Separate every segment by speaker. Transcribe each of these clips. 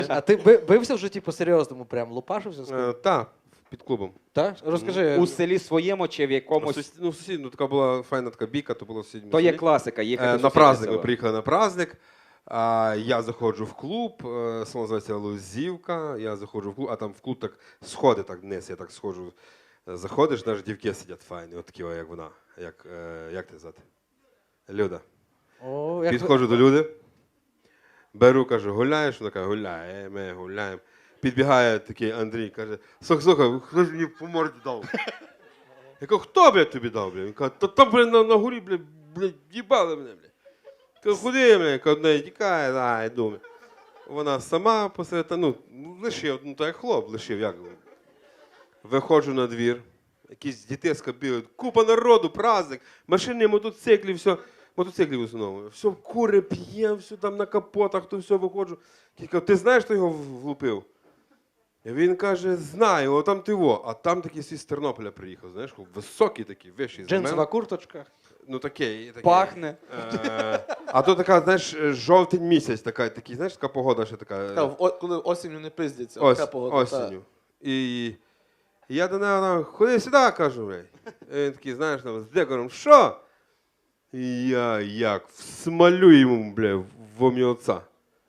Speaker 1: А ти бився в житті по-серйозному, прям лупашився з ким?
Speaker 2: Так, під клубом.
Speaker 1: Так? Розкажи.
Speaker 3: У селі своєму чи в якомусь...
Speaker 2: Ну, сусід, така була файна така бійка, то було в сусідньому
Speaker 3: То є
Speaker 2: селі.
Speaker 3: класика, їхати в
Speaker 2: На
Speaker 3: сусіднє
Speaker 2: праздник, ми
Speaker 3: село.
Speaker 2: приїхали на праздник. Я заходжу в клуб, село називається Лозівка, я заходжу в клуб, а там в клуб так сходи так вниз, я так сходжу. Заходиш, навіть дівки сидять файні, от такі, як вона. Як ти звати? Люда.
Speaker 1: О, як
Speaker 2: Підходжу до Люди, беру, кажу, гуляєш? Вона каже, гуляє, ми гуляємо. Підбігає такий Андрій, каже, слухай, хто ж мені по морді дав? Я кажу, хто, блядь, тобі дав, блядь? Він каже, та там, блядь, на горі, блядь, їбали мене, блядь. Кажу, куди, блядь? Кажу, не тікає, йду, блядь. Вона сама посеред, лишив, так як хлоп, лишив, як. Виходжу на двір, якісь дітеска бігають, купа народу, праздник, машини, мотоциклі, все. Мотоциклів в основному. Все кури, п'є, все там на капотах, то все виходжу. Я кажу, ти знаєш, хто його влупив? І він каже, знаю, о, там ти во. А там такий з Тернополя приїхав, знаєш, високий такий, вищий.
Speaker 1: джинсова курточка.
Speaker 2: Ну такий.
Speaker 3: Пахне.
Speaker 2: А то така, знаєш, жовтень місяць, такий, знаєш, така погода ще така.
Speaker 4: Коли осінню не пиздяться, така погода.
Speaker 2: Осінню. І я до нього, ходи сюди, кажу, блядь. І він такий, знаєш, з декором, що? І я як всмалю йому, бля, в ом'єтця.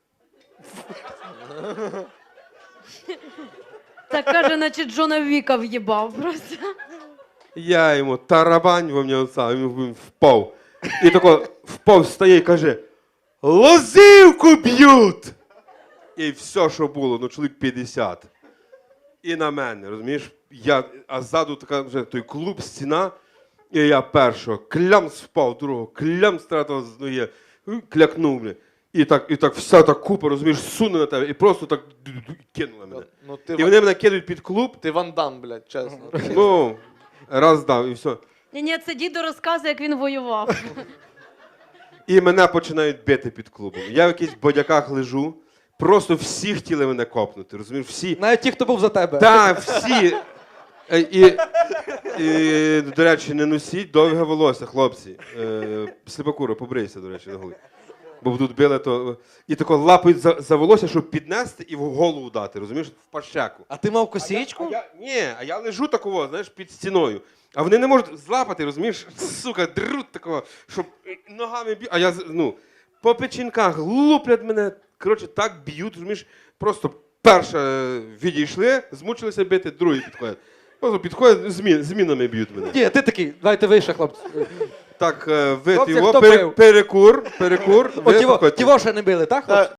Speaker 5: Так каже, наче Джона Віка в'їбав просто.
Speaker 2: Я йому тарабань в ом'єтця, він впав. І тако впав, встає і каже, лозівку б'ють! І все, що було, ну чоловік 50. І на мене, розумієш? А ззаду така вже той клуб, стіна. І я першого клямс впав, другого клямс стратив з ноги, клякнув мене. І так вся та купа, розумієш, суне на тебе, і просто так кинула мене.
Speaker 4: Ну,
Speaker 2: І вони мене кидають під клуб,
Speaker 4: Ти Ван Дам, блядь, чесно.
Speaker 2: ну, раз дав, і все.
Speaker 5: Ні, це дідо розказує, як він воював.
Speaker 2: І мене починають бити під клубом. Я в якихось бодяках лежу, просто всі хотіли мене копнути, розумієш, всі.
Speaker 1: Навіть ті, хто був за тебе.
Speaker 2: Так, всі. І, до речі, не носіть довге волосся, хлопці. Сліпокура, побрийся, до речі, на голові. Бо тут били, то... І тако лапають за волосся, щоб піднести і в голову дати, розумієш, в пащеку.
Speaker 1: А ти мав косічку?
Speaker 2: А я лежу такого, знаєш, під стіною. А вони не можуть злапати, розумієш, сука, друть такого, щоб ногами б'ють. А я, по печінках луплять мене, коротше, так б'ють, розумієш, просто перше відійшли, змучилися бити, другі підходять. Просто підходять, змінами б'ють мене.
Speaker 1: Ні, ти такий, давайте вище, хлопці.
Speaker 2: Так,
Speaker 1: Хлопці,
Speaker 2: його,
Speaker 1: хто бив?
Speaker 2: перекур,
Speaker 1: От ті во ще не били, так, хлопці?